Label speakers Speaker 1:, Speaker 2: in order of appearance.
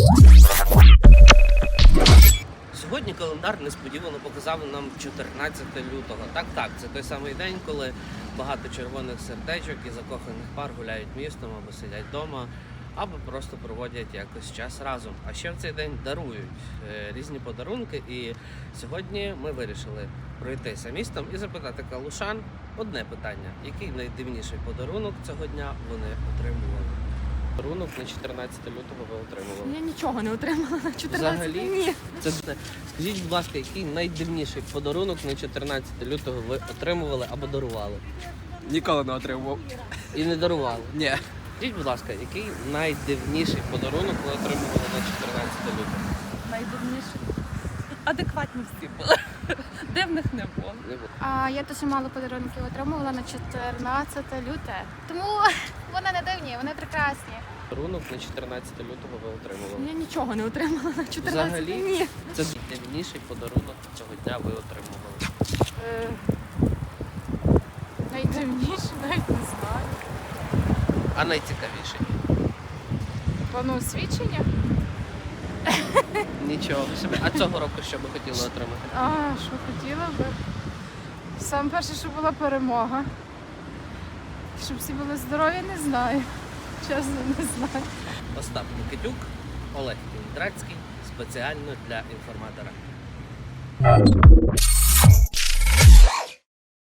Speaker 1: Сьогодні календар несподівано показав нам 14 лютого. Так, це той самий день, коли багато червоних сердечок і закоханих пар гуляють містом або сидять вдома, або просто проводять якось час разом. А ще в цей день дарують різні подарунки. І сьогодні ми вирішили пройтися містом і запитати калушан одне питання. Який найдивніший подарунок цього дня вони отримували? Подарунок на 14 лютого ви отримували?
Speaker 2: Я нічого не отримала на 14.
Speaker 1: Взагалі?
Speaker 2: Ні.
Speaker 1: Скажіть, будь ласка, який найдивніший подарунок на 14 лютого ви отримували або дарували?
Speaker 3: Ніколи не отримував.
Speaker 1: І не дарували?
Speaker 3: Ні.
Speaker 1: Скажіть, будь ласка, який найдивніший подарунок ви отримували на 14 лютого?
Speaker 2: Найдивніше. Адекватні всі були. Дивних не було.
Speaker 1: Не було.
Speaker 4: Я дуже мало подарунків отримувала на 14 люте. Тому вони не дивні, вони прекрасні.
Speaker 1: Подарунок на 14 лютого ви отримували?
Speaker 2: Я нічого не отримала на 14.
Speaker 1: Взагалі?
Speaker 2: Ні.
Speaker 1: Це найдивніший подарунок цього дня ви отримували?
Speaker 2: Найдивніше, навіть не знаю.
Speaker 1: А найцікавіший?
Speaker 2: Пану освідчення?
Speaker 1: Нічого собі. А цього року що би хотіли отримати?
Speaker 2: Що хотіла би. Саме перше, щоб була перемога. Щоб всі були здорові, не знаю. Чесно, не знаю.
Speaker 1: Остап Микитюк, Олег Кіндрацький, спеціально для інформатора.